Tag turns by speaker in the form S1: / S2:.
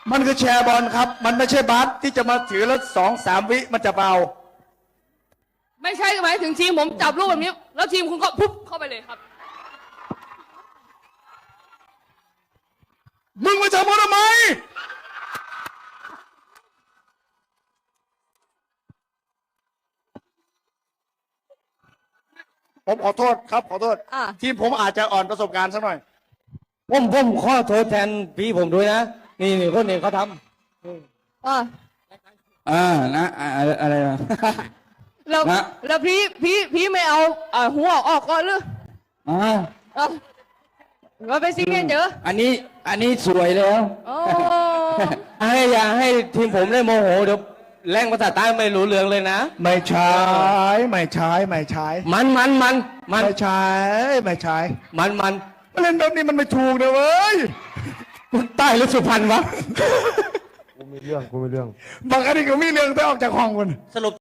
S1: มันคือแชร์บอลครับ มันไม่ใช่บาสที่จะมาถือแล้ว2-3 วิมันจะเบา
S2: ไม่ใช่หมายถึงทีมผมจับลูกแบบนี้ แล้วทีมคุณก็ปุ๊บเข้าไปเลยครับ
S1: มึงมาจับมันทำไมผมขอโทษครับขอโทษ
S2: อ่ะ
S1: ทีมผมอาจจะอ่อนประสบการณ์สักหน่อย
S3: ผมขอโทษแทนพี่ผมด้วยนะ นี่คนนี้เขาท
S2: อ่ะ
S4: นะอะไรนะ
S2: แล้ว
S4: นะ
S2: แล้วพี่ไม่เอาหัวออกก่อนหรือ
S4: อ่า
S2: เอาว่าเป็นซิงเกิลเจอ
S4: อันนี้สวยแล้ว
S2: โอ้
S3: ำอย่าให้ทีมผมได้โมโหเดี๋ยวแรงภาษาใต้ไม่รู้เรื่องเลยนะ
S1: ไม่ใช่ไม่ใช่ไม่ใช่
S3: มัน
S1: ไม่ใช่ไม่ใช่
S3: มัน
S1: มาเล่นแบบนี้มันไม่ถูกนะเว้ย
S3: ใต้หรือสุพรรณวะ
S5: กูมีเรื่อง
S1: บางอันนี้ก็มีเรื่องแต่ออกจากห้องมัน
S3: สรุป